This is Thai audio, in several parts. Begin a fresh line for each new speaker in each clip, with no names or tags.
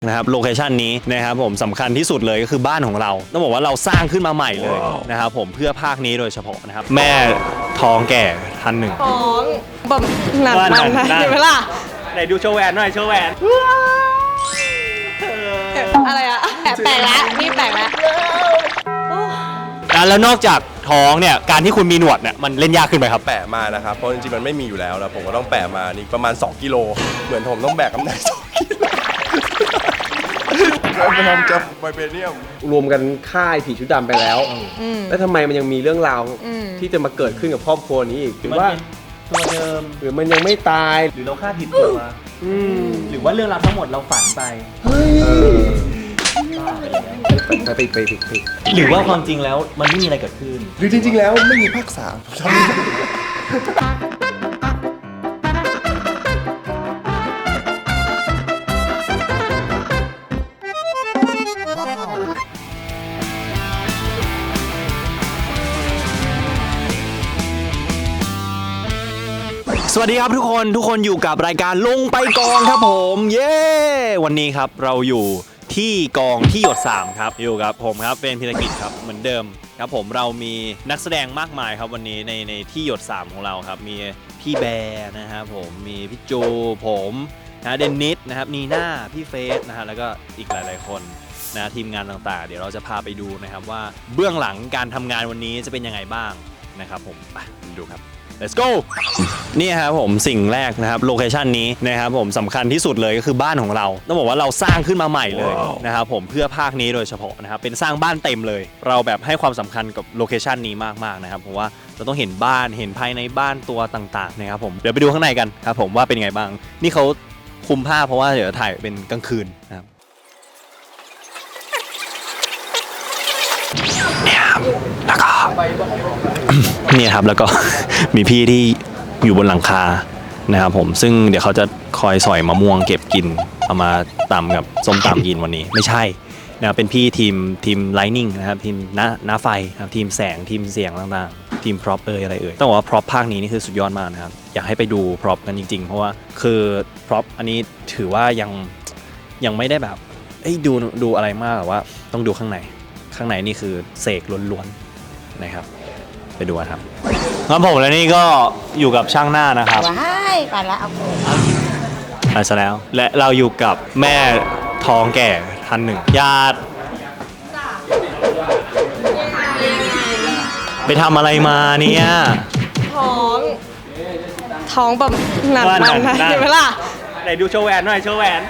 นะครับโลเคชันนี้นะครับผมสำคัญที่สุดเลยก็คือบ้านของเราต้องบอกว่าเราสร้างขึ้นมาใหม่เลยนะครับผมเพื่อภาคนี้โดยเฉพาะนะครับแม่ท้องแก่ท่านหนึ่ง
ท้องแบบหนักมันนะเห็นไหมล่ะ
ไหนดูโชว์แหวนหน่อยโชว์แหวน
อะไรอะแปลกแล้วนี่แปลกแล้ว
แล้วนอกจากท้องเนี่ยการที่คุณมีหนวดเนี่ยมันเล่นยากขึ้นไหมครับ
แปะมานะครับเพราะจริงๆมันไม่มีอยู่แล้วแล้วผมก็ต้องแปะมานี่ประมาณ2 กิโลเหมือนผมต้องแบกน้ำหนัก2 กิโลไปทำจับไวเบเนียม
รวมกันค่ายผีชุดดำไปแล้วแล้วทำไมมันยังมีเรื่องราวที่จะมาเกิดขึ้นกับครอบครัวนี้อีกหรือว่า
ตัวเดิม
หรือมันยังไม่ตาย
หรือเราคาดผิดตัวหรือว่าเรื่องราวทั้งหมดเราฝันไป
ไป
หรือว่าความจริงแล้วมันไม่มีอะไรเกิดขึ้น
หรือจริงๆแล้วไม่มีภาค3
สวัสดีครับทุกคนอยู่กับรายการลงไปกองครับผมเย้วันนี้ครับเราอยู่ที่กองที่หยด3ครับอยู่กับผมครับเป็นพิธกิจครับเหมือนเดิมครับผมเรามีนักแสดงมากมายครับวันนี้ในที่หยด3ของเราครับมีพี่แบร์นะครับผมมีพี่โจผมนะเดนนิสนะครับนีน่าพี่เฟสนะฮะแล้วก็อีกหลายๆคนนะทีมงานต่างๆเดี๋ยวเราจะพาไปดูนะครับว่าเบื้องหลังการทำงานวันนี้จะเป็นยังไงบ้างนะครับผมไปดูครับLet's go นี่ครับผมสิ่งแรกนะครับโลเคชันนี้นะครับผมสำคัญที่สุดเลยก็คือบ้านของเราต้องบอกว่าเราสร้างขึ้นมาใหม่เลยนะครับผมเพื่อภาคนี้โดยเฉพาะนะครับเป็นสร้างบ้านเต็มเลยเราแบบให้ความสำคัญกับโลเคชันนี้มากๆนะครับเพราะว่าเราต้องเห็นบ้านเห็นภายในบ้านตัวต่างๆนะครับผมเดี๋ยวไปดูข้างในกันครับผมว่าเป็นไงบ้างนี่เขาคุมผ้าเพราะว่าเดี๋ยวถ่ายเป็นกลางคืนนะครับเนี่ยครับแล้วก็เนี่ยครับแล้วก็ มีพี่ที่อยู่บนหลังคานะครับผมซึ่งเดี๋ยวเขาจะคอยสอยมะม่วงเก็บกินเอามาตำกับส้มตำกินวันนี้ไม่ใช่นะครับเป็นพี่ทีมไลนิ่งนะครับทีมหน้าไฟนะครับทีมแสงทีมเสียงต่างๆทีมพร็อพอะไรต้องบอกว่าพร็อพภาคนี้นี่คือสุดยอดมากนะครับอยากให้ไปดูพร็อพกันจริงๆเพราะว่าคือพร็อพอันนี้ถือว่ายังไม่ได้แบบดูอะไรมากแต่ว่าต้องดูข้างในนี่คือเสกล้วนๆนะครับไปดูกันครับงั้นผมและนี่ก็อยู่กับช่างหน้านะครับ
ว้ายไปแล้วเอา
ไปซะแล้วและเราอยู่กับแม่ท้องแก่ท่านหนึ่งญาติไปทำอะไรมาเนี่ย
ท้องแบบหนักมันนะเห็นไหมล่ะ
ไหนดูโชว์แหวนหน่อยโชว์แหวน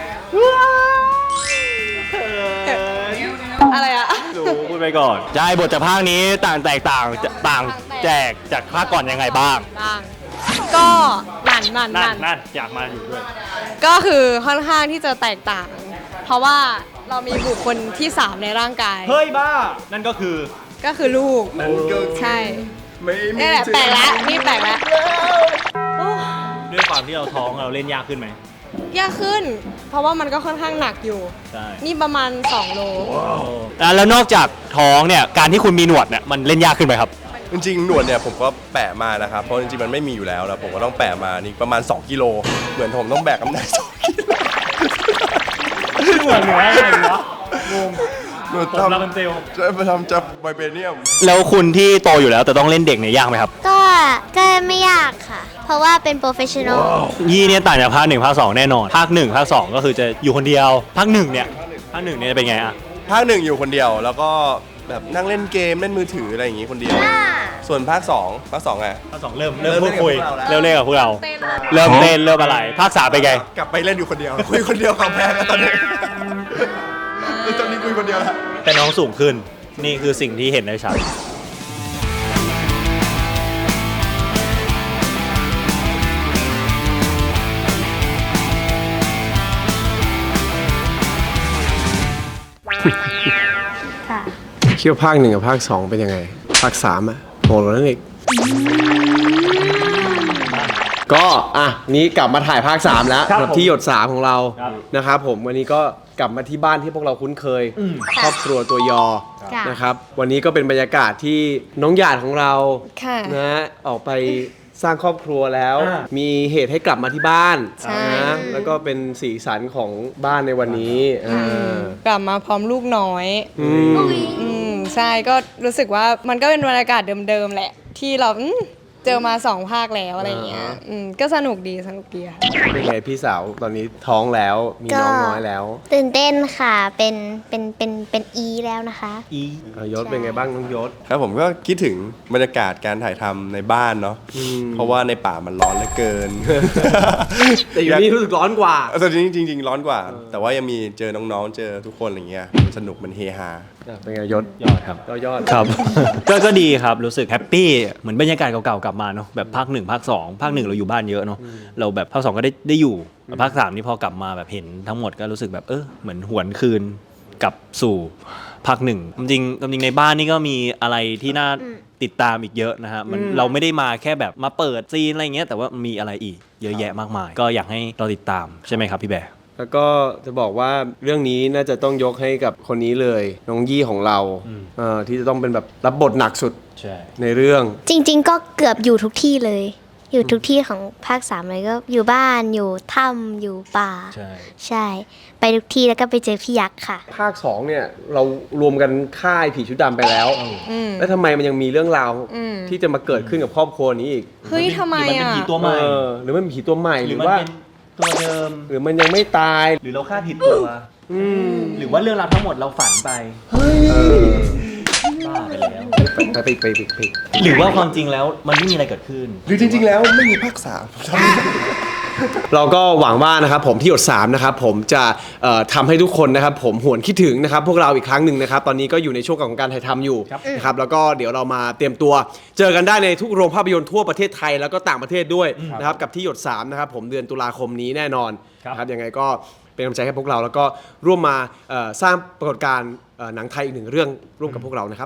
อะไรอะ
ดูพูดไปก่อนใช่บทจากภาคนี้แตกต่างแจกจากภาคก่อนยังไงบ้าง
ก็นั่น
อยากมาอยู่ด้วย
ก็คือค่อนข้างที่จะแตกต่างเพราะว่าเรามีบุคคลที่3ในร่างกาย
เฮ้ยบ้านั่นก็คือ
ลูกใช่นี่แหละแปลกแล้วนี่แปลกแล้ว
ด้วยความที่เราท้องเราเล่นยากขึ้นไหม
ยากขึ้นเพราะว่ามันก็ค่อนข้างหนักอยู่นี่ประมาณ2 โล
แล้วนอกจากท้องเนี่ยการที่คุณมีหนวดเนี่ยมันเล่นยากขึ้นไหมครับ
จริงๆหนวดเนี่ยผมก็แปะมานะครับเพราะจริงๆมันไม่มีอยู่แล้วแล้วผมก็ต้องแปะมานี่ประมาณ2 กิโลเหมือนผมต้องแบกน้ำหนัก2 กิโล
หนวดอะไรวะ
หนวดทำจะไปทำจับไวเบเนียม
แล้วคุณที่โตอยู่แล้วแต่ต้องเล่นเด็กเนี่ยยากไหมครับ
ก็ไม่ยากค่ะเพราะว่าเป็นโปรเฟชชั่นอล
ยี่เนี่ยต่างจากภาค1ภาค2แน่นอนภาค1ภาค2ก็คือจะอยู่คนเดียวภาค1เนี่ยเป็นไงอะ
ภาค1อยู่คนเดียวแล้วก็แบบนั่งเล่นเกมเล่นมือถืออะไรอย่างงี้คนเดียวส่วนภาค2ไง
ภาค2เริ่มพูดคุยเริ่มเล่นกับพวกเราเริ่มเต้นเริ่มอะไรภาค3เป็นไง
กลับไปเล่นอยู่คนเดียวคุยคนเดียวของแพ้กันตอนนี้ตอนนี้คุยคนเดียวแล้ว
แต่น้องสูงขึ้นนี่คือสิ่งที่เห็นได้ชัด
คิดว่าภาค1กับภาค2เป็นยังไงภาค3อ่ะโหดกว่านั้นอีกก็นี้กลับมาถ่ายภาค3แล้วกับที่หยด3ของเรานะครับผมวันนี้ก็กลับมาที่บ้านที่พวกเราคุ้นเคยครอบครัวตัวยอนะครับวันนี้ก็เป็นบรรยากาศที่น้องหยาดของเรานะออกไปสร้างครอบครัวแล้ว มีเหตุให้กลับมาที่บ้าน
ใช่
นะแล้วก็เป็นสีสันของบ้านในวันนี้า
กลับมาพร้อมลูกน้อย
อืม
ใช่ก็รู้สึกว่ามันก็เป็นบรรยากาศเดิมๆแหละ ที่เราเจอมา2 ภาคแล้วอะไรเงี้ยก็สนุกดีค่ะ
เป็นไงพี่สาวตอนนี้ท้องแล้วมีน้องน้อยแล้ว
ตื่นเต้นค่ะ เป็นอีแล้วนะคะ
ยศเป็นไงบ้างน้องยศ
ครับผมก็คิดถึงบรรยากาศการถ่ายทำในบ้านเนาะเพราะว่าในป่ามันร้อนเหลือเกิน
แต่อยู่นี่รู้สึกร้อนกว่า
แต่จริงๆร้อนกว่า แต่ว่ายังมีเจอน้องๆเจอทุกคนอะไรเงี้ยสนุกมันเฮฮา
เป็นไงยศ
ยอดครับ
ก็ยอด
ครับ ก็ดีครับรู้สึกแฮปปี้เหมือนบรรยากาศเก่าๆกลับมาเนาะแบบภาค 1 ภาค 2 ภาค 1เราอยู่บ้านเยอะเนาะเราแบบภาค 2ก็ได้อยู่ภาค 3นี่พอกลับมาแบบเห็นทั้งหมดก็รู้สึกแบบเหมือนหวนคืนกลับสู่ภาค 1จริงในบ้านนี่ก็มีอะไรที่น่าติดตามอีกเยอะนะฮะมันเราไม่ได้มาแค่แบบมาเปิดซีนอะไรเงี้ยแต่ว่ามีอะไรอีกเยอะแยะมากมาย ก็อยากให้เราติดตามใช่ไหมครับพี่แบร์
แล้วก็จะบอกว่าเรื่องนี้น่าจะต้องยกให้กับคนนี้เลยน้องยี่ของเราที่จะต้องเป็นแบบรับบทหนักสุด
ใช่
ในเรื่อง
จริงๆ ก็เกือบอยู่ทุกที่เลย อยู่ทุกที่ของภาค 3เลยก็อยู่บ้านอยู่ถ้ำอยู่ป่า
ใช่
ใช่ ไปทุกที่แล้วก็ไปเจอพี่ยักษ์ค่ะ
ภาค 2เนี่ยเรารวมกันค่ายผีชุดดำไปแล้ว แล้วทำไมมันยังมีเรื่องราวที่จะมาเกิดขึ้นกับครอบครัวนี้อีก
เฮ้ยทำไม
หรือมันเป็น
อ่ะ
ผีตัวใหม่
หรือมันมีผีตัวใหม่
ห
ห
รื
รือ อ
มัน
ว่า
เป็นตัวเดิม
หรือมันยังไม่ตาย
หรือเราคาดผิดตัวหรือว่าเรื่องราวทั้งหมดเราฝันไปบ้าไปแล้ว
ไป
หรือว่าความจริงแล้วมันไม่มีอะไรเกิดขึ้น
หรือจริงๆแล้วไม่มีภาค 3
เราก็หวังว่านะครับผมที่หยด3นะครับผมจะทำให้ทุกคนนะครับผมหวนคิดถึงนะครับพวกเราอีกครั้งหนึ่งนะครับตอนนี้ก็อยู่ในช่วงของการถ่ายทำอยู่นะครับแล้วก็เดี๋ยวเรามาเตรียมตัวเจอกันได้ในทุกโรงภาพยนตร์ทั่วประเทศไทยแล้วก็ต่างประเทศด้วยนะครับกับที่หยด3นะครับผมเดือนตุลาคมนี้แน่นอนนะครับยังไงก็เป็นกำลังใจให้พวกเราแล้วก็ร่วมมาสร้างปรากฏการณ์หนังไทยอีกหนึ่งเรื่องร่วมกับพวกเรานะครับ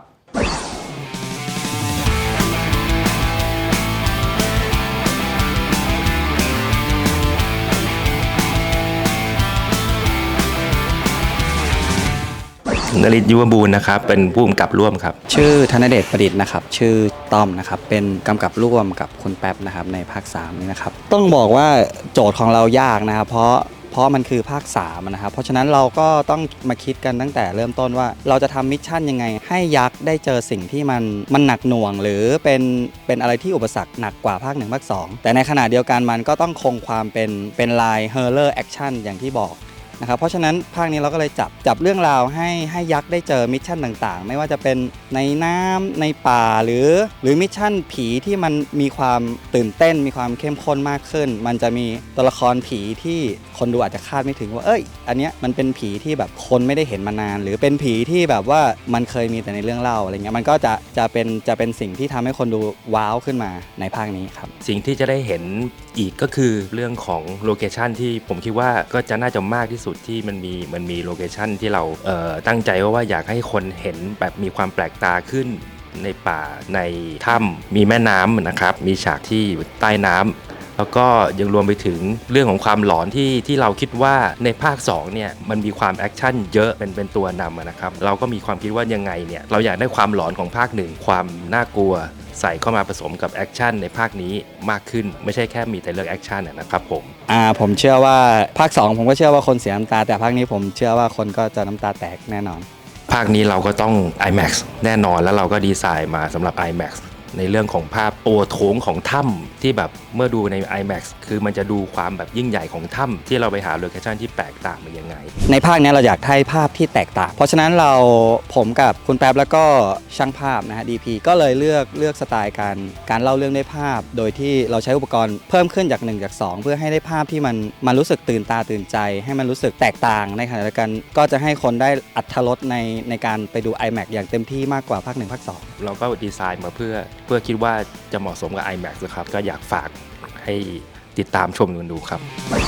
นฤทธิ์ยุวบูรณ์นะครับเป็นผู้กำกับร่วมครับ
ชื่อธนเดชประดิษฐ์นะครับชื่อต้อมนะครับเป็นกำกับร่วมกับคุณแป๊บนะครับในภาค3นี้นะครับต้องบอกว่าโจทย์ของเรายากนะครับเพราะมันคือภาค3นะครับเพราะฉะนั้นเราก็ต้องมาคิดกันตั้งแต่เริ่มต้นว่าเราจะทำมิชชั่นยังไงให้ยักษ์ได้เจอสิ่งที่มันหนักหน่วงหรือเป็นอะไรที่อุปสรรคหนักกว่าภาค1ภาค2แต่ในขณะเดียวกันมันก็ต้องคงความเป็นลายเฮอร์เรอร์แอคชั่นอย่างที่บอกนะครับเพราะฉะนั้นภาคนี้เราก็เลยจับเรื่องราวให้ยักษ์ได้เจอมิชชั่นต่างๆไม่ว่าจะเป็นในน้ำในป่าหรือมิชชั่นผีที่มันมีความตื่นเต้นมีความเข้มข้นมากขึ้นมันจะมีตัวละครผีที่คนดูอาจจะคาดไม่ถึงว่าอันเนี้ยมันเป็นผีที่แบบคนไม่ได้เห็นมานานหรือเป็นผีที่แบบว่ามันเคยมีแต่ในเรื่องเล่าอะไรเงี้ยมันก็จะเป็นสิ่งที่ทำให้คนดูว้าวขึ้นมาในภาคนี้ครับ
สิ่งที่จะได้เห็นอีกก็คือเรื่องของโลเคชันที่ผมคิดว่าก็จะน่าจะมากที่สุดที่มันมีโลเคชันที่เราตั้งใจว่าอยากให้คนเห็นแบบมีความแปลกตาขึ้นในป่าในถ้ำมีแม่น้ำนะครับมีฉากที่อยู่ใต้น้ำแล้วก็ยังรวมไปถึงเรื่องของความหลอนที่เราคิดว่าในภาค2เนี่ยมันมีความแอคชั่นเยอะเป็นตัวนำนะครับเราก็มีความคิดว่ายังไงเนี่ยเราอยากได้ความหลอนของภาค1ความน่ากลัวใส่เข้ามาผสมกับแอคชั่นในภาคนี้มากขึ้นไม่ใช่แค่มีแต่เรื่องแอคชั่นนะครับ
ผมเชื่อว่าภาค2ผมก็เชื่อว่าคนเสียน้ำตาแต่ภาคนี้ผมเชื่อว่าคนก็จะน้ำตาแตกแน่นอน
ภาคนี้เราก็ต้อง IMAX แน่นอนแล้วเราก็ดีไซน์มาสำหรับ IMAX ในเรื่องของภาพตัวโถงของถ้ำที่แบบเมื่อดูใน IMAX คือมันจะดูความแบบยิ่งใหญ่ของถ้ำที่เราไปหาโลเคชั่นที่แปลกต่างมันยังไง
ในภาคนี้เราอยากให้ภาพที่แตกต่างเพราะฉะนั้นผมกับคุณแป๊บแล้วก็ช่างภาพนะฮะ DP ก็เลยเลือกสไตล์การเล่าเรื่องด้วยภาพโดยที่เราใช้อุปกรณ์เพิ่มขึ้นจาก1จาก2เพื่อให้ได้ภาพที่มันรู้สึกตื่นตาตื่นใจให้มันรู้สึกแตกต่างในขณะเดียวกันก็จะให้คนได้อรรถรสในการไปดู IMAX อย่างเต็มที่มากกว่าภาค1ภาค2
เราก็ดีไซน์มาเพื่อคิดว่าจะเหมาะสมกับ IMAX นะครับก็อยากฝากให้ติดตามชมกันดูครับ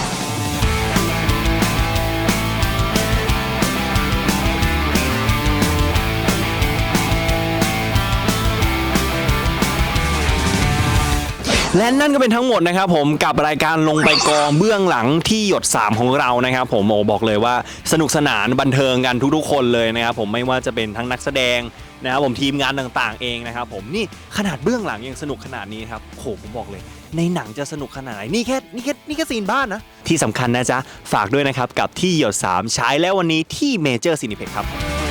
และนั่นก็เป็นทั้งหมดนะครับผมกับรายการลงไปกองเบื้องหลังที่หยด3ของเรานะครับผมบอกเลยว่าสนุกสนานบันเทิงกันทุกๆคนเลยนะครับผมไม่ว่าจะเป็นทั้งนักแสดงนะครับผมทีมงานต่างๆเองนะครับผมนี่ขนาดเบื้องหลังยังสนุกขนาดนี้ครับโหผมบอกเลยในหนังจะสนุกขนาดไหนนี่แค่ซีนบ้านนะที่สำคัญนะจ๊ะฝากด้วยนะครับกับที่หยด3ฉายแล้ววันนี้ที่เมเจอร์ซินิเพ็กครับ